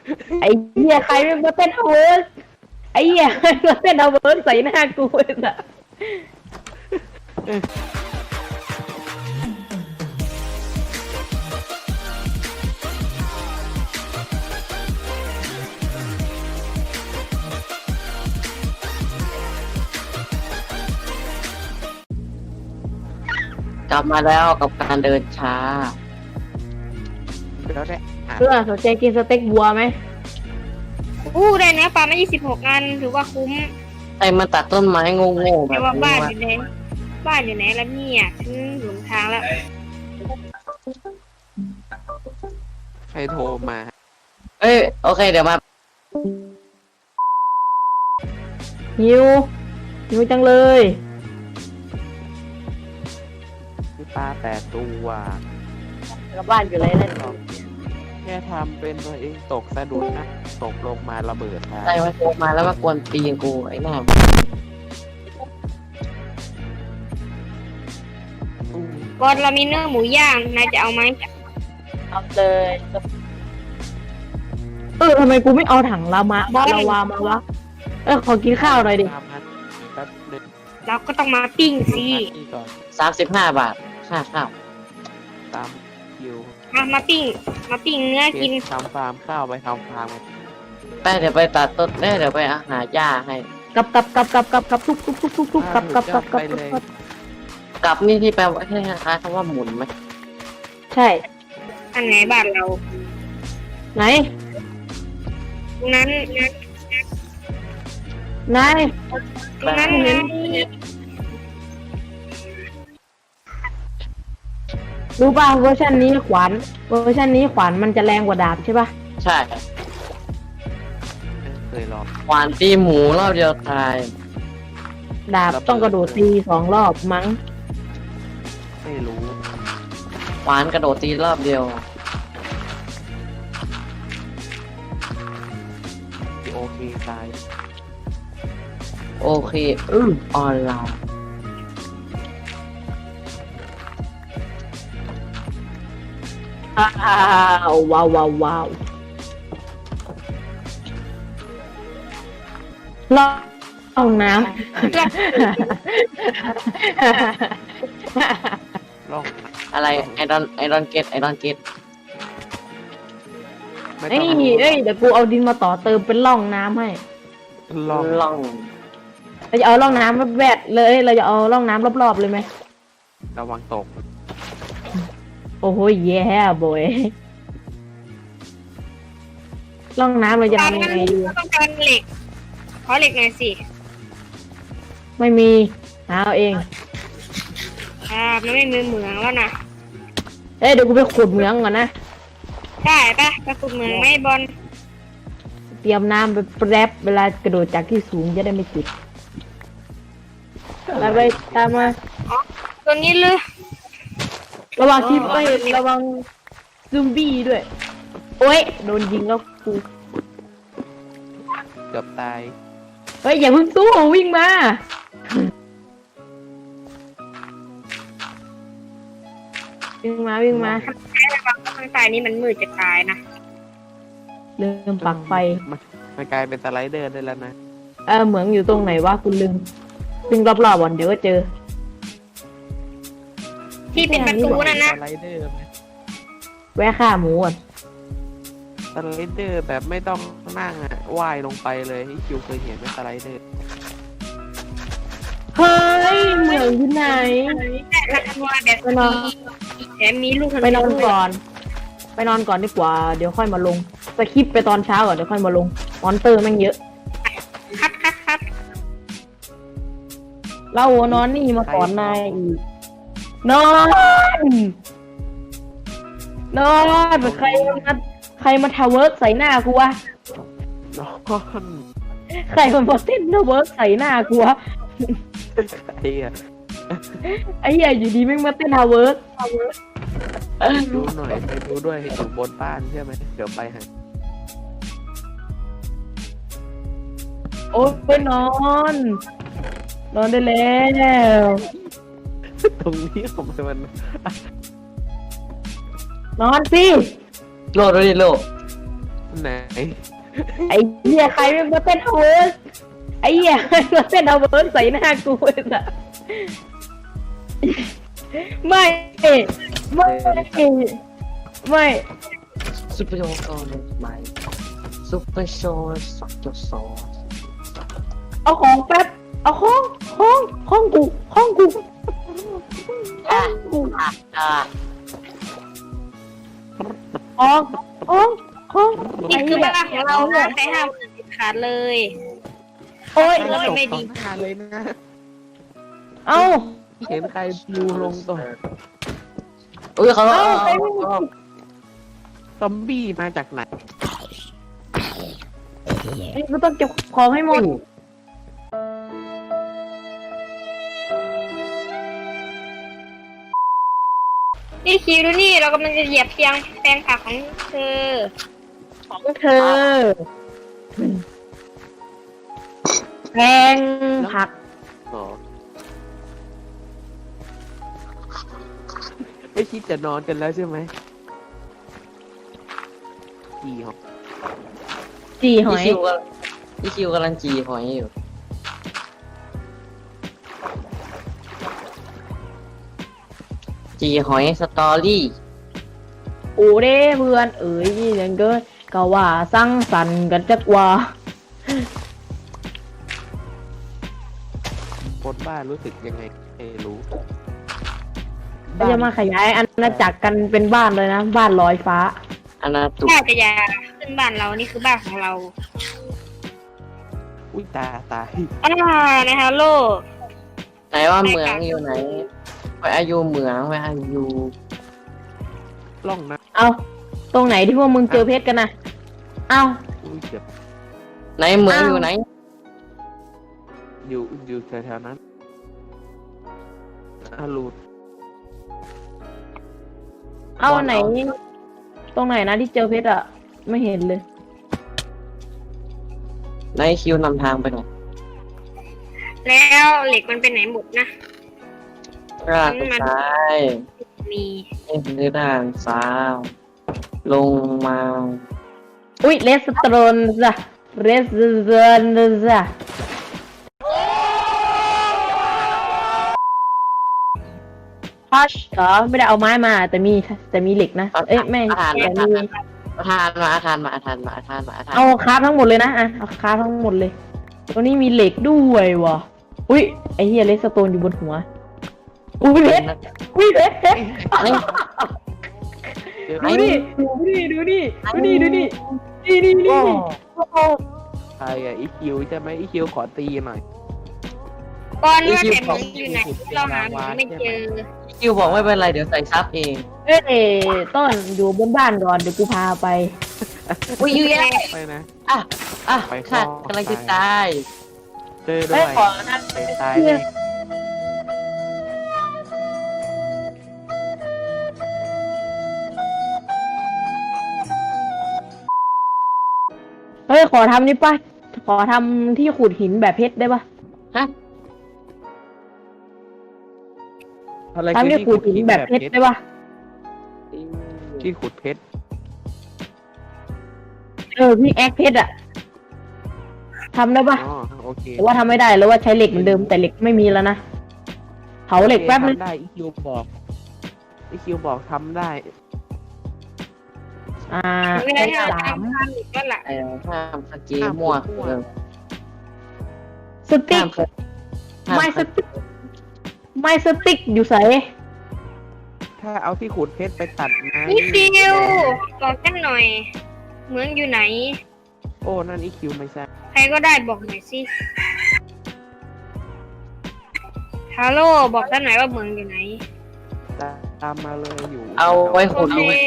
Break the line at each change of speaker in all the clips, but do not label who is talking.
ไอ้เหี้ยใครมันมาเต้นเอาเวิร์สไอ้เหี้ยใครมาเต้นเอาเวิร์สใส่หน้ากูไอ้สัส
กลับมาแล้วกับการเดินช้า
แล้วได้อ่ะ
เพื่อนสนใจกินสเต็กบัวไหม
อู้ได้เนื้อปลามา26 อันถือว่าคุ้ม
ไอ้มาตัดต้นไม้โง่ๆแบ
แต่
บ
ว่า
นี้
บ้าน
ว่า
อยู่ไหนบ้านอยู่ไหนแล้วเนี่ยถึงหลงทางแล้ว
ใครโทรมา
เอ้ยโอเคเดี๋ยวมา
หิวหิวจังเลย
พี่ปลา8 ตัว
กลับบ้านอยู่เลยนั่น
แค่ทำเป็นตัวเองตกสะดุดนะตกลงมาระเบิดนะ
ไอ้มาโทรมาแล้วมากวนตีนกูไอ้หน้า
บอลเรามีเนื้อหมูย่างนายจะเอาไหม
เอาเลยทำไมกูไม่เอาถังลาวามาวะขอกินข้าวหน่อยดิ
ตามนั้นแป๊บนึง
เราก็ต้องมาปิ้งสิ
นี่ก่อน
35 บาทค่าข้าว
ตามคิว
มาปิ้งเนื้อกิน
ทำฟาร์มข้าวไปทำฟาร์ม
ไปเดี๋ยวไปตัดต้นเดี๋ยวไปหาหญ้าให้
กับทุกกับ
กลับนี่ที่แปลว่าใช่คล้ายๆคำว่าหมุนไหม
ใช่
อันไหนบ้านเรา
ไหน
ตรงนั้น
นาย
ตรงนั้นนะ
รู้ป่ะเวอร์ชันนี้ขวานมันจะแรงกว่าดาบใช่ป่ะ
ใช่
เคยลอง
หวานตีหมูรอบเดียวตาย
ดาบต้องกระโดดตี2 รอบมั้ง
ไม่รู้
หวานกระโดดตีรอบเดียว
โอเคตาย
โอเคออนไลน์
ว้าวล่องน้ำ
ลอง
อะไรไอดอนเกต
ไม่
เอ้
ต้
ย
อง
เดี๋ยวกูเอาดินมาต่อเติมเป็นร่องน้ำให้
ลอง
ล่อง
เราจะเอาร่องน้ำแวดเลย เราจะเอาร่องน้ำรอบๆเลยไหม
ระวังตก
โอ้โหแย่บอยร่องน้ำเราจะ
ตอน
ทำยั
นั้
ง
น
ไงดี
ต้องการเหล็กขอเหล็กหน่อยสิ
ไม่มีหาเอาเอง
มันไม่มีเหมืองแล้วนะ
เดี๋ยวกูไปขุดเหมืองก่อนนะ
ได้ปะไปขุดเหมืองไหมบอล
เตรียมน้ำไปแปรบเวลากระโดดจากที่สูงจะได้ไม่ติดแล้วไปตามมา
ตัวนี้เลย
ระวังที่ระวังซูมบี้ด้วย โอ้ยโดนยิงแล้วกู
เกือบตาย
อย่าเพิ่งสู้วิ่งมาวิ่งมา
ข้างใต้นี้มันมืดจะตายนะ
ลืมปักไฟ
มันกลายเป็นสไลเดอร์ได้แล้วนะ
เหมืองอยู่ตรงไหนวะคุณลืมวิ่งรอบๆก่อนเดี๋ยวก็เจอ
ที่เป็นประตูนั่นนะ
สไลเดอร์ไหม
แวะฆ่าหมูก่อน
สไลเดอร์แบบไม่ต้องนั่งอ่ะว่ายลงไปเลยให้คิวเคยเห็นไหมสไลเดอร์
เฮ้ยเหมืองที่ไหน
แต่ละตัวแบบ
ไปนอน
แถมมีลูก
ไปนอนก่อน ไปนอนก่อนดีกว่าเดี๋ยวค่อยมาลงสคริปต์ไปตอนเช้าก่อนเดี๋ยวค่อยมาลงมอนเตอร์แม่งเยอะ
คัด
เรานอนนี่มาก่อนนายอีกนอนใครมาทาวเวิร์กใส่หน้ากูวะ
นอน
ใครมาเต้นทาวเวิร์กใส่หน้ากูวะ
ไอ้อะ
ไอ้เหี้ยอยู่ดีแม่งมาเต้นทาวเวิร์ก
ดูหน่อยไปดูด้วยอยู่บนบ้านใช่ไหมเดี๋ยวไปหา
โอ๊ยไปนอนได้แล้ว
ตรงนี้ทำไมมัน
นอนสิ
โลดด้วยดิโล
ไหน
ไอ้เหี้ยใครเป็นมาเต้นเอาเวิร์สไอ้เหี้ยใครมาเต้นเอาเวิร์สใส่หน้ากูเลยอะไม่ไม่
ซุปเปอร์โชว์ก่อนไหมซุปเปอร์โชว์สักจุดสอง
เอาของแป๊บเอาห้องกูห้องกู
อ่ะ
กู
อ่ะ
ห้อง
นี่คือบ้านของเรานะใครห้ามเด็ดขาดเลย
โอ้ย
โอ้ยไม่ดี
ตกต่อหน้าเลยนะ
เอา
เห็นใครดูลงตัว
อุ้ยเขา
ซอมบี้มาจากไหน
นี่กูต้องเก็บของให้หมด
นี่คิวดูนี่เรากำลังจะเหยียบเพียงแปลงผักของเธอ
ของเธอแพงผัก
อ๋อไม่คิดจะนอนกันแล้วใช่ไหมกี่หรอ
จีหอย
พี่คิวกำลังจีหอยอยู่จีหอยสตอรี่
โอ้เด้เพื่อนเอ๋ยนี่ยังเกินก็ว่าสร้างสรรค์กันจักว่า
คนบ้านรู้สึกยังไงไม่รู้
ก็จะมาขยายอาณาจักรกันเป็นบ้านเลยนะ บ้านลอยฟ้า
อนาตุ
น่าจะอยาขึ้นบ้านเรานี่คือบ้านของเรา
อุ้ยตาย
ในฮัลโหล
ไหนว่าเหมืองอยู่ไหนไปอายุเหมืองไปอายุ
ล่องนะ
เอาตรงไหนที่พวกมึงเจอเพชรกันนะเอา
อุ้ยเจ็บ
ไหนเหมืองอยู่ไหน
อยู่แถวๆนั้นรูด
เอาไหน ตรงไหนนะที่เจอเพชรอะไม่เห็นเลย
ไหนคิวนำทางไปไหน
แล้วเหล็กมันเป็นไหนหมดนะ
ร่างซ้าย
มี
นี่คือด้านซ้ายลงมา
อุ้ยเลสโตรนจ้ะเลสโตรนจ้ะพัชเหรอไม่ได้เอาไม้มาแต่มีเหล็กนะเอ้ยไม่
อาหาร
แต่
มา
มี
อาหารมาอาหารมาอาหารมาอาหารมาอาหาร
เอาคราฟทั้งหมดเลยนะอ่ะเอาคราฟทั้งหมดเลยตรงนี้มีเหล็กด้วยวะอุ้ยไอเฮียเลสโตนอยู่บนหัวอุ้ยเพชรอุ้ยเพชร
เจอ
ดูดิดูดินี่
ใครอะอีคิวใช่ไหมอีคิวขอตีหน่อย
ก่อนว่าแต่มึงอยู่ไหนเราหามึงไม่เจอ
คิวบอกไม่เป็นไรเดี๋ยวใส่ซับเอง
เอ้ยต้นอยู่บนบ้านก่อนเดี๋ยวกูพาไป
อุ้ยยืน
ไปนะ
อ่ะอ่ะ
ไป
ค่ะ
ต่อ
กำลังจะตาย
เจอด้
เอ้
วย
ขอนะ
ไปตายเลย
เฮ้ยขอทำนี่ป่ะขอทำที่ขุดหินแบบเพชรได้ป่ะ
ฮะ
อะไร
ทำที่ขุดหินแบบเพชรได้ป่ะ
ที่ขุดเพชร
พี่แอคเพชรอะทำได้ป่ะ
อ๋อโอเค
แต่ว่าทำไม่ได้แล้วว่าใช้เหล็กเหมือนเดิมแต่เหล็กไม่มีแล้วนะเผาเหล็กแป๊บนึง
ทำได้อีคิวบอกทำได้
ไม่ได้
ได้
ทำ
สาม
ทำอีกแล้วล่ะ
ห้ามสกีมั่ว
สติ๊กไม่สติ๊กอยู่ใส่
ถ้าเอาที่ขุดเพชรไปตัดไม้
นี่คิวบอกกันหน่อย เมืองอยู่ไหน
โอ้นั่นอีคิวไม่ใช่
ใครก็ได้บอกหน่อยสิฮัลโหลบอกกันหน่อยว่าเมืองอยู่ไหน
ตามมาเลยอยู่
เอาไว้ขุดเอาไว้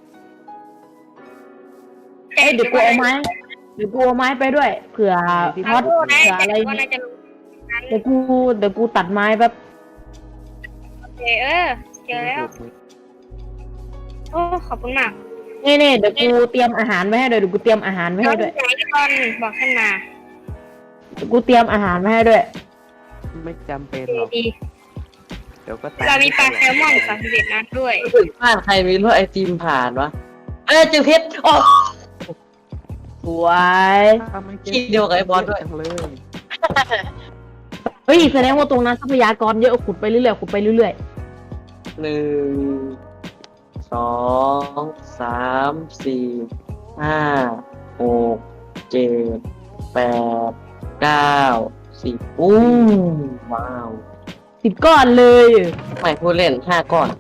เดี๋ยวกูเอาไม้ไปด้วยเผื่อท็อต
ได้
เผื่อ
แต่
อะไร
ก็น่าจะรู้
เดี๋ยวกูตัดไม้แป๊บ
โอเคเจอแล้ว โอ้ขอบคุณมาก
นี่เดี๋ยวกูเตรียมอาหารไว้ให้ด้วยเดี๋ยวกูเตรียมอาหารไว้ให้ด้วย
ไหนก่อนบอกขึ้นมา
เดี๋ยวกูเตรียมอาหารไว้ให้ด้วย
ไม่จำเป็นหรอก
ดี
เดี๋ยวก็ตาย
เรามีปลาแซลมอน31นัดด้วย
รู้สึกบ้านใครมีรถไอติมผ่านวะเจอเพชรโอ้
วย
ทำไมเกม
คิดเดียวกับไอ้บอสด้วย
จังเลย
เฮ้ยแสดงว่าตรงนั้นทรัพยากรเยอะขุดไปเรื่อยๆขุดไปเรื่อย
1 2 3 4 5 6 7 8 9 10อู้ว้าว
10 ก้อนเลย
ไม่พูดเล่น5 ก้อน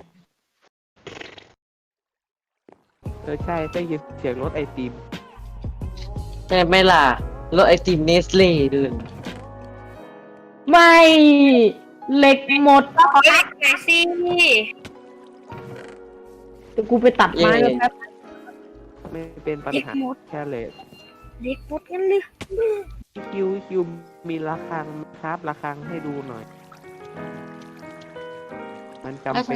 ใช่ได้ยินเสียงรถไอติม
ใช่ไหมล่ะรถไอติมเนสเล่ด้วย
ไม่เหล็กหมด
ขอเล็กหน่อยสิ
เดี๋ยวกูไปตัดไม้แล้วแป๊บ
ไม่เป็นปัญหาแค่เลย
เล็กหมดกันเลย
คิวมีระฆังครับระฆังให้ดูหน่อย มันจำเป็น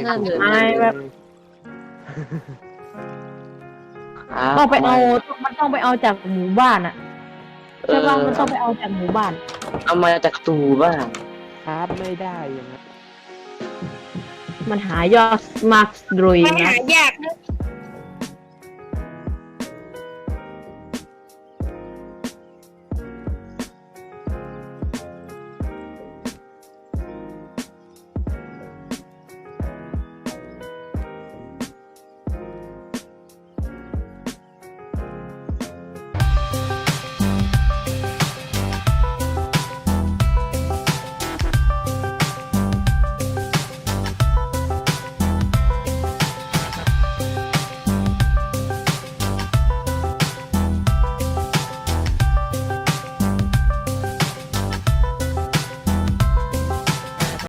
ต้องไปเอามันต้องไปเอาจากหมู่บ้านอะใช่ป่ะมันต้องไปเอาจากหมู่บ้าน
เอามาจากตูบ้าง
ครับไม่ได้อย่างนั้น
มันหายอดมากเลย
มัน
นะ
หายากนะ